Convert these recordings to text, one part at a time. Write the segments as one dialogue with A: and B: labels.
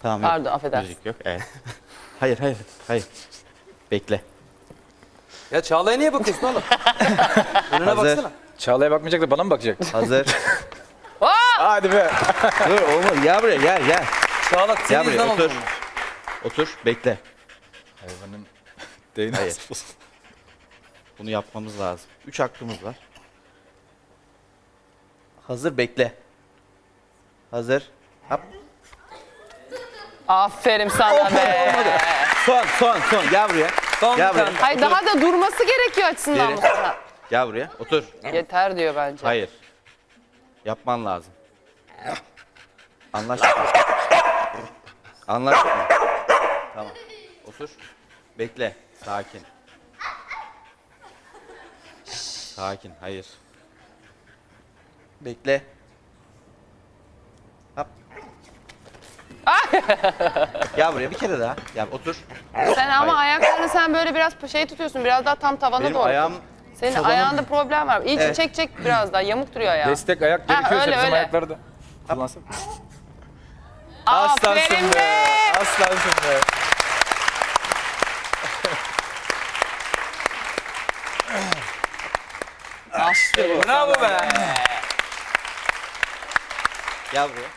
A: Tamam.
B: Pardon, affedersin.
A: Müzik yok. Evet. Hayır. Bekle.
C: Ya Çağla'ya niye bakıyorsun oğlum? Önüne
A: Hazır.
C: baksana.
D: Çağla'ya bakmayacak da bana mı bakacak?
A: Hazır.
D: Hadi be.
A: Dur olmaz. Gel buraya gel.
C: Çağla
A: Gel
C: senin
A: buraya
C: yüzünden oldu
A: otur.
C: bunlar.
A: Otur bekle.
D: Hayvanın
A: Hayır.
D: değnesi.
A: Bunu yapmamız lazım. 3 hakkımız var. Hazır bekle. Hazır. Hop.
B: Aferin sana be.
A: Son. Gel buraya.
C: Son
A: Gel
C: bir
A: buraya.
C: tane.
B: Hayır daha da durması gerekiyor açısından
A: Geri.
B: Mustafa.
A: Gel buraya. Otur.
B: Yeter diyor bence.
A: Hayır. Yapman lazım. Anlaştık mı? Anlaştık mı? Tamam. Otur. Bekle. Sakin. Sakin. Hayır. Bekle. Hop. Gel buraya bir kere daha. Gel otur.
B: Sen ama
A: Hayır.
B: ayaklarını sen böyle biraz şey tutuyorsun. Biraz daha tam tavana
A: Benim
B: doğru.
A: ayağım
B: Senin
A: tavanın-
B: ayağında problem var. İyice
A: Evet.
B: çek biraz daha. Yamuk duruyor ayağı.
D: Destek ayak gerekiyorsa
B: öyle,
D: bizim
B: öyle.
D: ayakları da kullansın.
B: Aferin be.
D: Aslansın be.
B: Aferin.
C: Bravo be.
A: Gel buraya.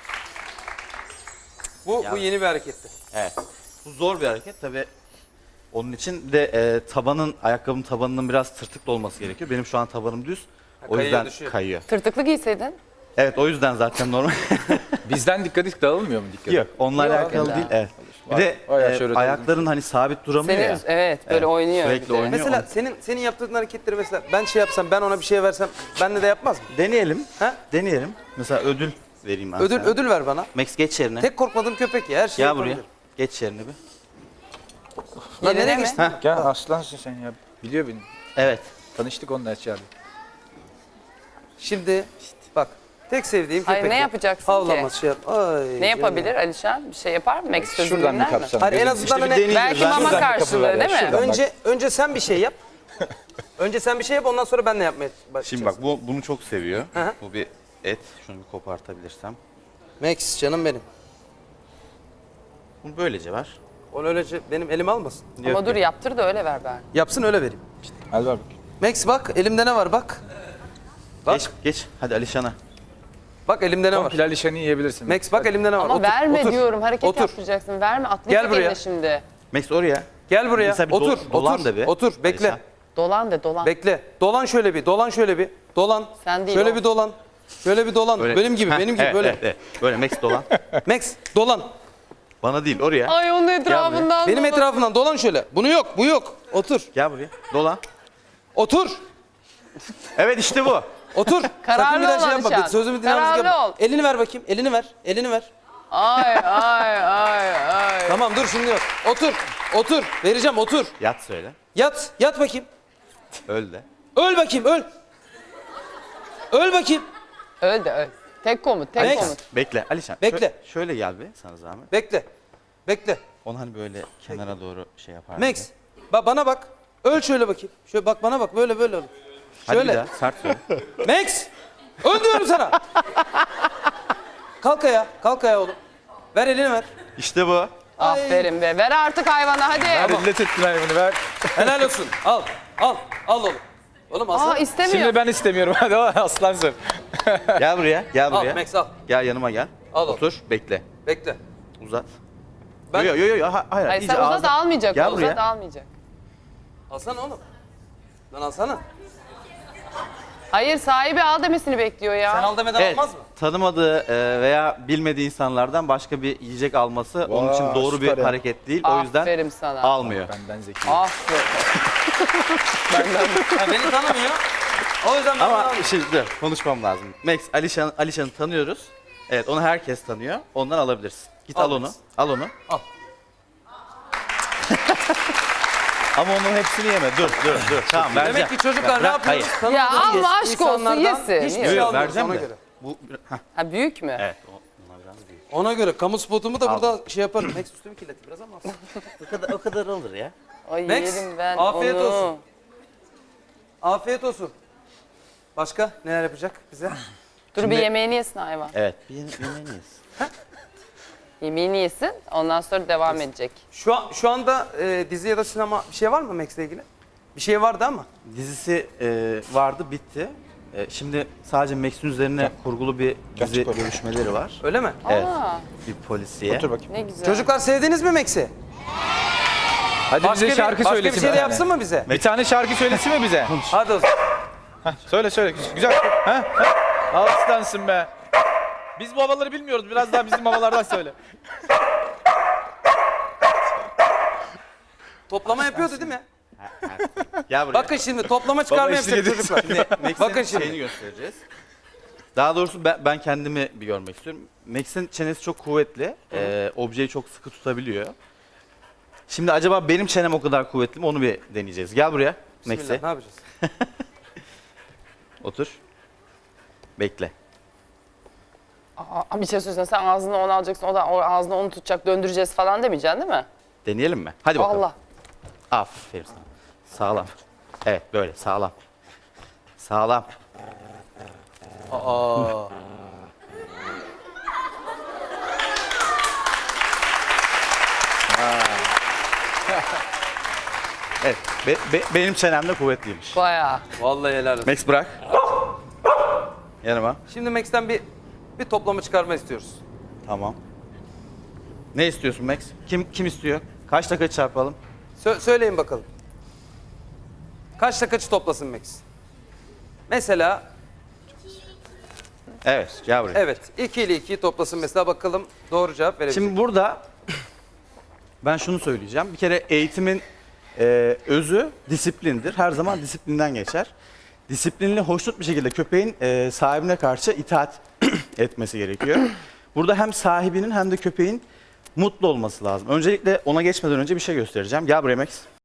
C: Bu yeni bir hareketti.
A: Evet. Bu zor bir hareket tabii. Onun için de ayakkabının tabanının biraz tırtıklı olması gerekiyor. Benim şu an tabanım düz. O
C: kayıyor,
A: yüzden
C: düşüyor.
A: kayıyor.
B: Tırtıklı giyseydin.
A: Evet o yüzden zaten normal.
D: Bizden dikkat dağılmıyor mu dikkat?
A: Yok onunla
B: Yok,
A: alakalı
B: öyle.
A: değil. Evet. Bir
D: Var.
A: de
D: Bayağı şöyle
A: ayakların hani sabit duramıyor
B: Senin,
A: ya.
B: evet böyle
A: Evet,
B: oynuyor.
A: sürekli
B: bir de.
A: oynuyor.
C: Mesela senin yaptığın hareketleri mesela ben şey yapsam, ben ona bir şey versem ben de yapmaz mı?
A: Deneyelim.
C: Ha?
A: Deneyelim. Mesela ödül vereyim ben
C: Ödül
A: sana.
C: ödül ver bana.
A: Max geç yerine.
C: Tek korkmadığım köpek ya. Her şeyi
A: Gel buraya.
C: yapabilir.
A: Geç yerine bir.
C: Lan
B: Yerine
C: nereye
B: mi?
C: geçtin?
D: Gel aslansın sen ya. Biliyor beni.
A: Evet.
D: Tanıştık onunla içeride.
C: Şimdi bak tek sevdiğim
B: Hayır,
C: köpek.
B: ne
C: ya.
B: yapacaksın
C: Havlamaz
B: ki?
C: şey yap. Ay,
B: Ne yapabilir Alişan? Bir şey yapar mı? Max sözü
D: Şuradan bir
B: dinler mi?
D: kapsam.
C: Hayır, en
D: Gözüm-
C: azından
A: İşte bir
C: hani
A: deneyeceğiz.
B: Belki
A: Ben
B: mama
D: şuradan bir kapı
B: karşılığı
D: var ya,
B: değil mi?
D: şuradan.
C: önce sen bir şey yap. Önce sen bir şey yap, ondan sonra ben de yapmaya başlayacağım.
A: Şimdi bak bunu çok seviyor.
C: Hı hı.
A: Bu bir et. Şunu bir kopartabilirsem.
C: Max canım benim.
A: Bunu böylece ver.
C: Onu öylece benim elime almasın.
B: Ama
A: Yok,
B: dur
A: yok.
B: yaptır da öyle ver ben.
C: Yapsın öyle vereyim.
D: Al ver bak.
C: Max bak elimde ne var bak. Bak.
A: Geç. Hadi Alişan'a.
C: Bak elimde ne var.
D: Komple Alişan'ı yiyebilirsin.
C: Max bak elimde ne var.
B: Ama
C: Otur,
B: verme
C: otur.
B: diyorum. Hareket
C: Otur.
B: yaptıracaksın. Verme. Atlayacak
C: Gel buraya.
B: eline şimdi.
A: Max oraya.
C: Gel buraya.
A: Mesela bir
C: Otur.
A: dolan
C: otur.
A: da bir.
C: Otur. Bekle.
A: Alişan.
B: Dolan de dolan.
C: Bekle. Dolan şöyle bir. Dolan şöyle bir. Dolan.
B: Sen değil
C: Şöyle
B: o.
C: bir dolan. Şöyle bir dolan.
A: Böyle.
C: Benim gibi.
A: Heh,
C: benim gibi
A: evet,
C: böyle.
A: Evet. Böyle Max dolan.
C: Max dolan.
A: Bana değil oraya.
B: Ay onun etrafından
C: Benim
B: dolan.
C: etrafından dolan şöyle. Bunu yok. Bu yok. Otur.
A: Gel buraya. Dolan.
C: Otur.
A: Evet işte bu.
C: Otur.
B: Kararlı
C: Sakın bir daha
B: ol
C: şey yapma.
B: Alişan.
C: Sözümü dinlemezlik
B: Kararlı
C: yapma.
B: ol.
C: Elini ver bakayım. Elini ver. Elini ver.
B: Ay ay ay ay.
C: Tamam dur şimdi yok. Otur. Otur. Vereceğim otur.
A: Yat söyle.
C: Yat. Yat bakayım.
A: Öl de.
C: Öl bakayım öl. Öl bakayım.
B: Öl de öl. Tek komut, tek
C: Max.
B: komut.
A: Bekle Alişan.
C: Bekle.
A: Şöyle gel bir sana zahmet.
C: Bekle. Bekle.
A: Onu hani böyle kenara doğru şey yapar.
C: Max. Bana bak. Öl şöyle bakayım. Şöyle bak bana bak. Böyle böyle.
A: Hadi
C: Şöyle.
A: bir daha sert söyle.
C: Max. Öl diyorum sana. Kalk ayağa. Kalk ayağa oğlum. Ver elini ver.
A: İşte bu.
B: Aferin be. Ver artık hayvana hadi.
D: Hadi illet ettin hayvanı ver.
C: Helal olsun. Al. Al. Al oğlum. Oğlum aslan.
B: Aa istemiyor.
D: Şimdi ben istemiyorum. Hadi aslansın.
A: Gel buraya. Gel
C: Al
A: buraya.
C: Max al.
A: Gel yanıma gel.
C: Al oğlum.
A: Otur. Bekle.
C: Bekle.
A: Uzat.
C: Ben-
A: Yo. Hayır.
B: Hayır
A: iyice
B: sen uzat
A: ağzına-
B: almayacak.
A: Gel
B: o, uzat
A: buraya.
B: almayacak.
C: Alsana oğlum. Lan alsana.
B: Hayır sahibi al demesini bekliyor ya.
C: Sen al demeden
A: Evet.
C: almaz mı?
A: Tanımadığı veya bilmediği insanlardan başka bir yiyecek alması onun için doğru bir
D: süper ya.
A: hareket değil. O yüzden
B: Aferin sana.
A: almıyor.
D: Benden zeki.
B: Aferin.
C: Ha, beni tanımıyor. O yüzden ben
A: Ama
C: almıyorum.
A: şimdi dur, konuşmam lazım. Max, Alişan'ı tanıyoruz. Evet, onu herkes tanıyor. Ondan alabilirsin. Git
C: Al
A: al onu.
C: Max.
A: Al onu.
C: Al.
A: Ama onun hepsini yeme. Dur. Tamam, vereceğim.
C: Demek ki çocuklar ne
A: Bırak,
C: yapıyoruz?
A: hayır.
C: Tanımadığımız
B: Ya ama aşk olsun,
C: insanlardan
B: yesin.
C: Hiçbir
A: Yok,
C: şey
A: yok,
C: almıyoruz
A: vereceğim
C: ona
A: de.
C: göre.
A: Bu, heh,
B: Ha büyük mü?
A: evet, bunlar biraz büyük.
C: Ona göre kamu spotumu da
A: Al.
C: burada şey yaparım. Max üstümü kirletti biraz ama.
A: O kadar olur ya.
B: Ay
C: Max,
B: yerim ben
C: afiyet
B: onu.
C: olsun. Afiyet olsun. Başka neler yapacak bize?
B: Dur bir yemeğini yesin hayvan.
A: Evet, bir yemeğini yesin.
B: Yemeğini yesin. Ondan sonra devam edecek.
C: Şu anda dizi ya da sinema bir şey var mı Max'le ilgili? Bir şey vardı ama.
A: Dizisi vardı, bitti. Şimdi sadece Max'in üzerine kurgulu bir dizi
D: çık oraya.
A: görüşmeleri var.
C: Öyle mi?
A: Evet.
B: Aa,
A: Bir polisiye.
D: Otur bakayım.
B: ne güzel.
C: Çocuklar sevdiniz mi Max'i?
D: Hadi bize şarkı
C: başka
D: söylesin.
C: bir şey de
D: yani.
C: yapsın mı bize?
D: Bir tane şarkı söylesin mi bize?
C: Hadi o zaman.
D: Söyle. Güzel. Ha? Aslansın be. Biz bu havaları bilmiyoruz. Biraz daha bizim havalardan söyle.
C: Toplama yapıyordu değil mi?
A: Gel buraya.
C: Bakın şimdi toplama çıkarma
D: eşlik
C: yapacak
D: ediyor.
C: çocuklar.
A: Max'in
C: Bakın şimdi.
A: şeyini göstereceğiz. Daha doğrusu ben kendimi bir görmek istiyorum. Max'in çenesi çok kuvvetli. Objeyi çok sıkı tutabiliyor. Şimdi acaba benim çenem o kadar kuvvetli mi onu bir deneyeceğiz. Gel buraya
C: Bismillah,
A: Max'e.
C: ne yapacağız?
A: Otur. Bekle.
B: Aa, bir şey söylesene, sen ağzına onu alacaksın, o da ağzına onu tutacak, döndüreceğiz falan demeyeceksin değil mi?
A: Deneyelim mi? Hadi bakalım.
B: Allah.
A: Aferin sana. Sağlam. Evet böyle sağlam. Sağlam.
C: Aa.
A: Evet. Benim çenem de kuvvetliymiş.
B: Bayağı.
C: Vallahi helal olsun.
A: Max bırak. Yanıma.
C: Şimdi Max'ten bir toplama çıkarma istiyoruz.
A: Tamam. Ne istiyorsun Max? Kim istiyor? Kaç dakika çarpalım?
C: Söyleyin bakalım. Kaçta kaçı toplasın Max? Mesela
A: Evet, gel buraya.
C: evet 2 ile 2'yi toplasın mesela bakalım doğru cevap verebilecek.
A: Şimdi burada ben şunu söyleyeceğim. Bir kere eğitimin özü disiplindir. Her zaman disiplinden geçer. Disiplinli, hoşnut bir şekilde köpeğin sahibine karşı itaat etmesi gerekiyor. Burada hem sahibinin hem de köpeğin mutlu olması lazım. Öncelikle ona geçmeden önce bir şey göstereceğim. Gel buraya Max.